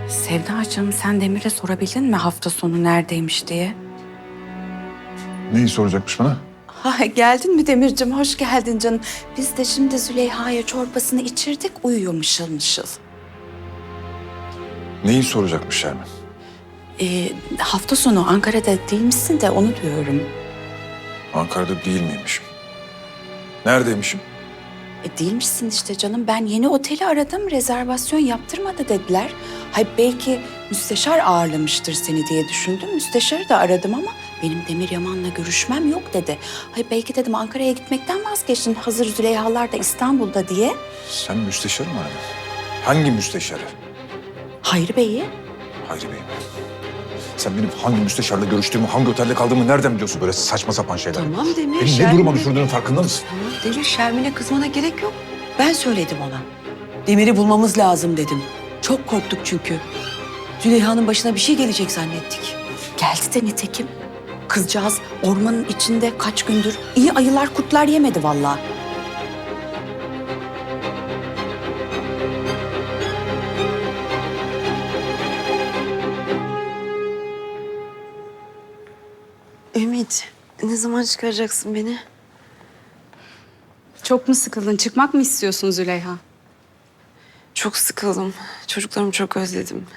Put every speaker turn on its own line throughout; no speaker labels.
Sevdacığım, sen Demir'e sorabildin mi hafta sonu neredeymiş diye?
Neyi soracakmış bana?
Ha, geldin mi Demir'cim? Hoş geldin canım. Biz de şimdi Züleyha'ya çorbasını içirdik, uyuyor mışıl mışıl.
Neyi soracakmış Şermin?
Hafta sonu Ankara'da değil misin de onu diyorum.
Ankara'da değil miymişim? Neredeymişim?
Değilmişsin işte canım. Ben yeni oteli aradım, rezervasyon yaptırmadı dediler. Hay belki müsteşar ağırlamıştır seni diye düşündüm. Müsteşarı da aradım ama benim Demir Yaman'la görüşmem yok dedi. Hay belki dedim Ankara'ya gitmekten vazgeçtin. Hazır Züleyhalar da İstanbul'da diye.
Sen müsteşarı mı aradın? Hangi müsteşarı?
Hayri Bey'i.
Hayri Bey mi? Sen benim hangi müsteşarla görüştüğümü, hangi otelde kaldığımı nereden biliyorsun böyle saçma sapan şeyler?
Tamam Demir,
Beni ne duruma düşürdüğünün farkında mısın?
Tamam Demir, Şermin'e kızmana gerek yok. Ben söyledim ona. Demir'i bulmamız lazım dedim. Çok korktuk çünkü. Züleyha'nın başına bir şey gelecek zannettik.
Geldi de nitekim. Kızcağız ormanın içinde kaç gündür iyi ayılar kurtlar yemedi vallahi.
Ümit, ne zaman çıkaracaksın beni?
Çok mu sıkıldın? Çıkmak mı istiyorsun Züleyha?
Çok sıkıldım. Çocuklarımı çok özledim.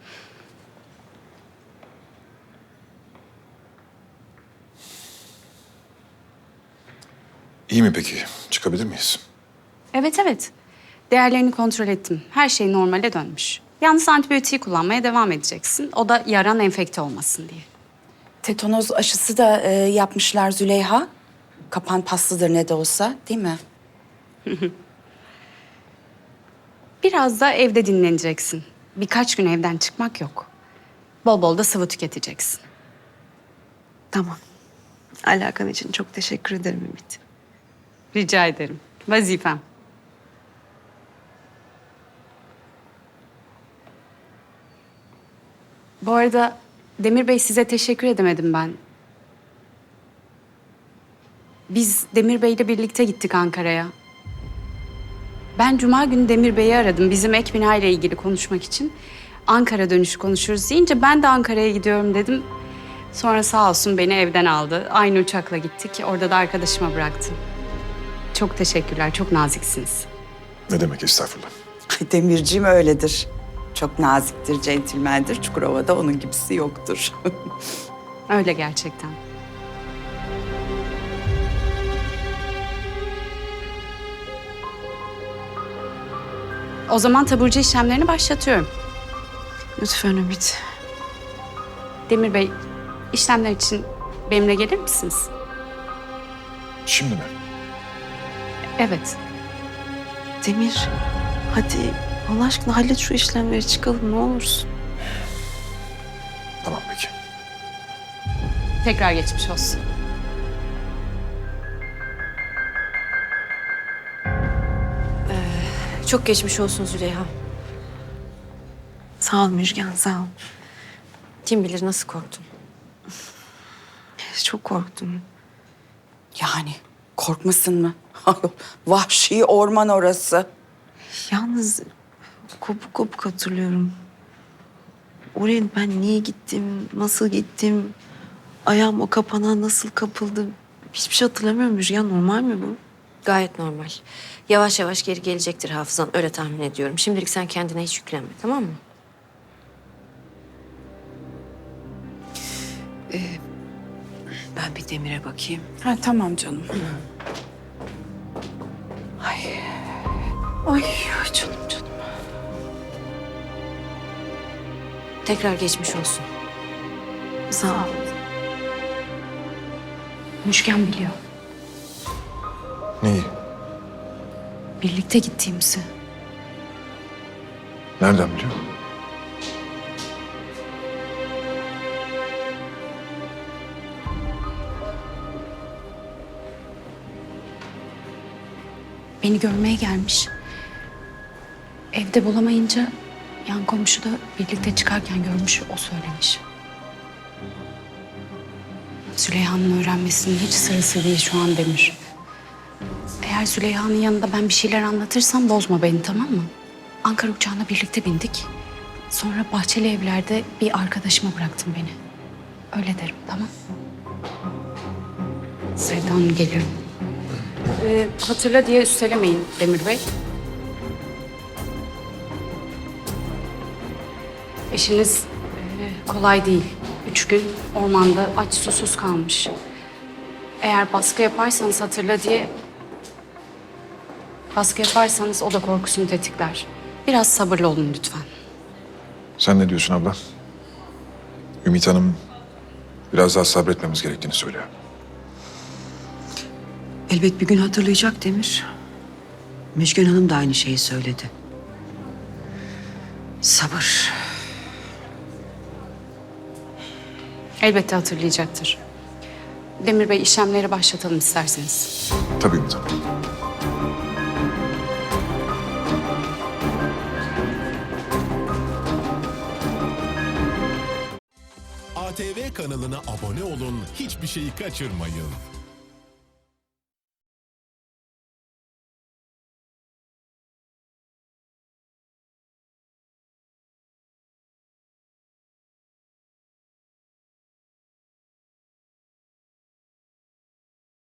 İyi mi peki? Çıkabilir miyiz?
Evet evet. Değerlerini kontrol ettim. Her şey normale dönmüş. Yalnız antibiyotiği kullanmaya devam edeceksin. O da yaran enfekte olmasın diye.
Tetanoz aşısı da yapmışlar Züleyha. Kapan paslıdır ne de olsa, değil mi?
Biraz da evde dinleneceksin. Birkaç gün evden çıkmak yok. Bol bol da sıvı tüketeceksin.
Tamam. Alakan için çok teşekkür ederim Ümit.
Rica ederim. Vazifem. Bu arada Demir Bey size teşekkür edemedim ben. Biz Demir Bey'le birlikte gittik Ankara'ya. Ben Cuma günü Demir Bey'i aradım bizim ek bina ile ilgili konuşmak için. Ankara dönüşü konuşuruz deyince ben de Ankara'ya gidiyorum dedim. Sonra sağ olsun beni evden aldı. Aynı uçakla gittik. Orada da arkadaşıma bıraktım. Çok teşekkürler, çok naziksiniz.
Ne demek estağfurullah.
Demirciğim öyledir. Çok naziktir, centilmendir. Çukurova'da onun gibisi yoktur.
Öyle gerçekten. O zaman taburcu işlemlerini başlatıyorum.
Lütfen Ümit.
Demir Bey, işlemler için benimle gelir misiniz?
Şimdi mi?
Evet.
Demir, hadi Allah aşkına hallet şu işlemleri çıkalım ne olursun.
Tamam peki.
Tekrar geçmiş olsun.
Çok geçmiş olsun Züleyha.
Sağ ol Müjgan, sağ ol.
Kim bilir nasıl korktun.
Çok korktum.
Yani korkmasın mı? Vahşi orman orası.
Yalnız kopuk kopuk hatırlıyorum. Oraya ben niye gittim, nasıl gittim, ayağım o kapana nasıl kapıldı. Hiçbir şey hatırlamıyorum Müjgan. Normal mi bu?
Gayet normal. Yavaş yavaş geri gelecektir hafızan. Öyle tahmin ediyorum. Şimdilik sen kendine hiç yüklenme, tamam mı?
Ben bir Demir'e bakayım.
Ha, tamam canım. Ay. Ay canım canım.
Tekrar geçmiş olsun.
Sağ ol.
Müşken biliyor.
Neyi?
Birlikte gittiğimizi.
Nereden biliyor?
Beni görmeye gelmiş. Evde bulamayınca yan komşu da birlikte çıkarken görmüş, o söylemiş. Züleyha'nın öğrenmesinin hiç sırası değil şu an Demir. Eğer Züleyha'nın yanında ben bir şeyler anlatırsam bozma beni, tamam mı? Ankara uçağına birlikte bindik. Sonra Bahçeli Evler'de bir arkadaşıma bıraktın beni. Öyle derim, tamam? Sevda Hanım geliyorum. Hatırla diye üstelemeyin Demir Bey. Eşiniz kolay değil. 3 gün ormanda aç susuz kalmış. Eğer baskı yaparsanız hatırla diye... Baskı yaparsanız o da korkusunu tetikler. Biraz sabırlı olun lütfen.
Sen ne diyorsun abla? Ümit Hanım biraz daha sabretmemiz gerektiğini söylüyor.
Elbet bir gün hatırlayacak Demir. Müjgan Hanım da aynı şeyi söyledi. Sabır.
Elbette hatırlayacaktır. Demir Bey işlemleri başlatalım isterseniz.
Tabii Ümit Hanım.
ATV kanalına abone olun, hiçbir şeyi kaçırmayın.